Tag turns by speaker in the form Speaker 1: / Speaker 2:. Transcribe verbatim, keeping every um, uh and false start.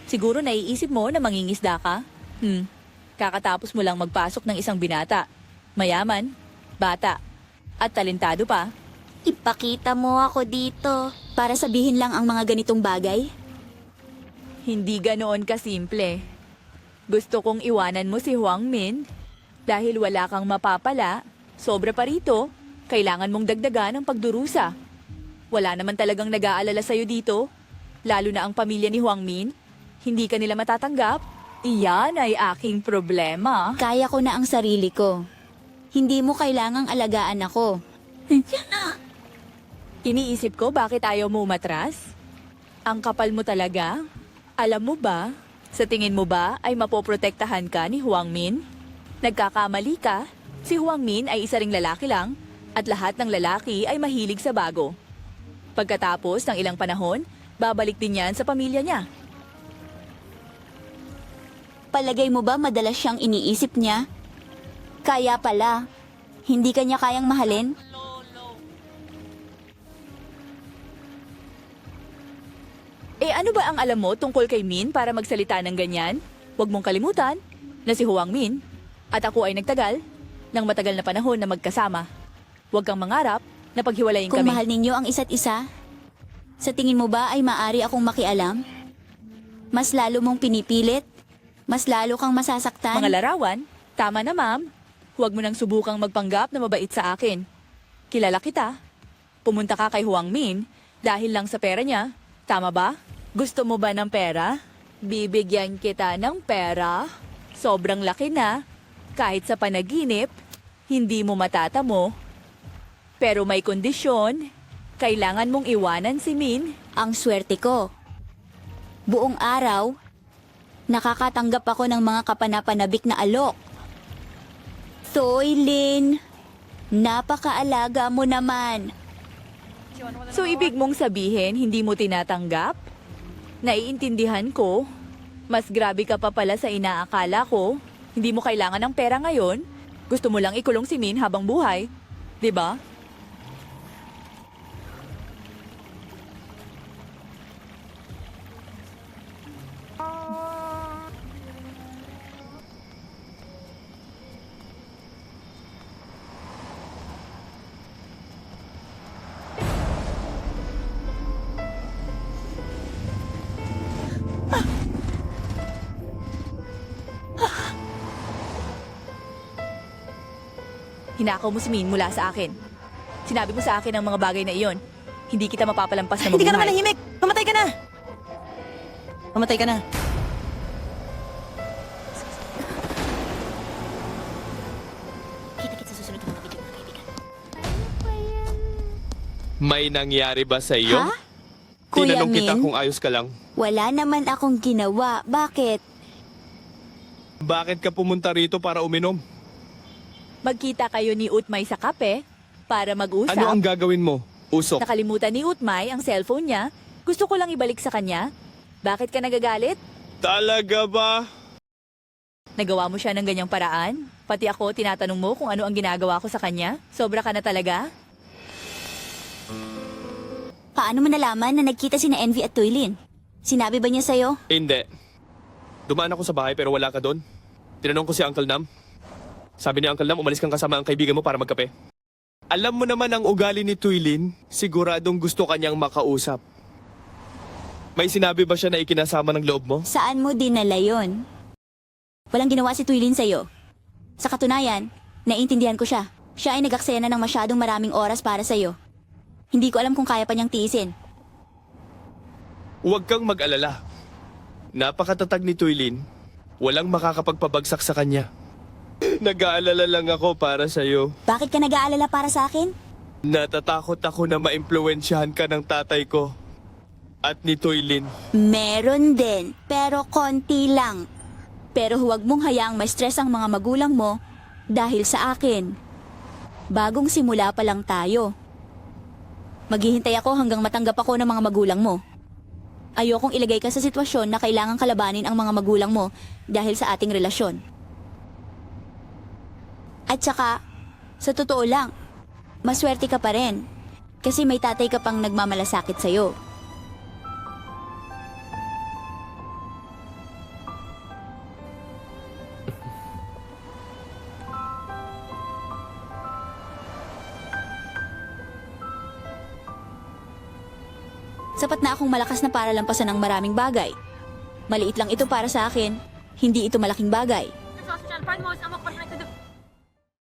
Speaker 1: Siguro naiisip mo na mangingisda ka? Hmm, kakatapos mo lang magpasok ng isang binata. Mayaman, bata, at talentado pa.
Speaker 2: Ipakita mo ako dito para sabihin lang ang mga ganitong bagay.
Speaker 1: Hindi ganoon kasimple. Gusto kong iwanan mo si Huang Min dahil wala kang mapapala. Sobra pa rito, kailangan mong dagdagan ang pagdurusa. Wala naman talagang nag-aalala sa'yo dito, lalo na ang pamilya ni Huang Min. Hindi ka nila matatanggap. Iyan ay aking problema.
Speaker 2: Kaya ko na ang sarili ko. Hindi mo kailangang alagaan ako.
Speaker 1: Iniisip ko bakit ayaw mo umatras? Ang kapal mo talaga? Alam mo ba, sa tingin mo ba ay mapoprotektahan ka ni Huang Min? Nagkakamali ka. Si Huang Min ay isa ring lalaki lang at lahat ng lalaki ay mahilig sa bago. Pagkatapos ng ilang panahon, babalik din yan sa pamilya niya.
Speaker 2: Palagay mo ba madalas siyang iniisip niya? Kaya pala, hindi kanya kayang mahalin?
Speaker 1: Eh ano ba ang alam mo tungkol kay Min para magsalita ng ganyan? Huwag mong kalimutan na si Huang Min at ako ay nagtagal ng matagal na panahon na magkasama. Huwag kang mangarap na paghiwalayin
Speaker 2: Kung
Speaker 1: kami.
Speaker 2: mahal ninyo ang isa't isa, sa tingin mo ba ay maari akong makialam? Mas lalo mong pinipilit? Mas lalo kang masasaktan?
Speaker 1: Mga larawan, tama na ma'am. Huwag mo nang subukang magpanggap na mabait sa akin. Kilala kita. Pumunta ka kay Huang Min dahil lang sa pera niya. Tama ba? Gusto mo ba ng pera? Bibigyan kita ng pera. Sobrang laki na. Kahit sa panaginip, hindi mo matatamo. Pero may kondisyon. Kailangan mong iwanan si Min.
Speaker 2: Ang swerte ko. Buong araw, nakakatanggap ako ng mga kapanapanabik na alok. Thoylin, napakaalaga mo naman.
Speaker 1: So ibig mong sabihin, hindi mo tinatanggap? Naiintindihan ko. Mas grabe ka pa pala sa inaakala ko. Hindi mo kailangan ng pera ngayon. Gusto mo lang ikulong si Min habang buhay. 'Di ba? Hinakaw mo si Min mula sa akin. Sinabi mo sa akin ang mga bagay na iyon. Hindi kita mapapalampas na mabuhay.
Speaker 3: Hindi ka naman nahimik! Mamatay ka na! Mamatay ka na.
Speaker 2: Kita-kits sa susunod ng mga video, mga kaibigan.
Speaker 4: May nangyari ba sa iyo?
Speaker 2: Ha? Kuya
Speaker 4: Tinanong kita
Speaker 2: Min?
Speaker 4: kung ayos ka lang.
Speaker 2: Wala naman akong ginawa. Bakit?
Speaker 4: Bakit ka pumunta rito para uminom?
Speaker 1: Magkita kayo ni Utmay sa kape para mag-usap.
Speaker 4: Ano ang gagawin mo? Usok.
Speaker 1: Nakalimutan ni Utmay ang cellphone niya. Gusto ko lang ibalik sa kanya. Bakit ka nagagalit?
Speaker 4: Talaga ba?
Speaker 1: Nagawa mo siya ng ganyang paraan? Pati ako, tinatanong mo kung ano ang ginagawa ko sa kanya? Sobra ka na talaga?
Speaker 2: Paano mo nalaman na nagkita si na Envy at Toylin? Sinabi ba niya sa'yo?
Speaker 4: Hindi. Dumaan ako sa bahay pero wala ka doon. Tinanong ko si Uncle Nam. Sabi ni Uncle Nam, umalis kang kasama ang kaibigan mo para magkape. Alam mo naman ang ugali ni Toylin, siguradong gusto kanyang makausap. May sinabi ba siya na ikinasama ng loob mo?
Speaker 2: Saan mo dinala yon? Walang ginawa si Toylin sa'yo. Sa katunayan, naiintindihan ko siya. Siya ay nag-aksaya na ng masyadong maraming oras para sa'yo. Hindi ko alam kung kaya pa niyang tiisin.
Speaker 4: Huwag kang mag-alala. Napakatatag ni Toylin. Walang makakapagpabagsak sa kanya. Nag-aalala lang ako para sa'yo.
Speaker 2: Bakit ka nag-aalala para sa akin?
Speaker 4: Natatakot ako na maimpluwensyahan ka ng tatay ko. At ni Toylin.
Speaker 2: Meron din, pero konti lang. Pero huwag mong hayaang ma-stress ang mga magulang mo dahil sa akin. Bagong simula pa lang tayo. Maghihintay ako hanggang matanggap ako ng mga magulang mo. Ayokong ilagay ka sa sitwasyon na kailangang kalabanin ang mga magulang mo dahil sa ating relasyon. At saka, sa totoo lang, maswerte ka pa rin. Kasi may tatay ka pang nagmamalasakit sa'yo. Sapat na akong malakas na para lampasan ng maraming bagay. Maliit lang ito para sa akin, hindi ito malaking bagay.
Speaker 5: Nagsasadyan, friend mo, sama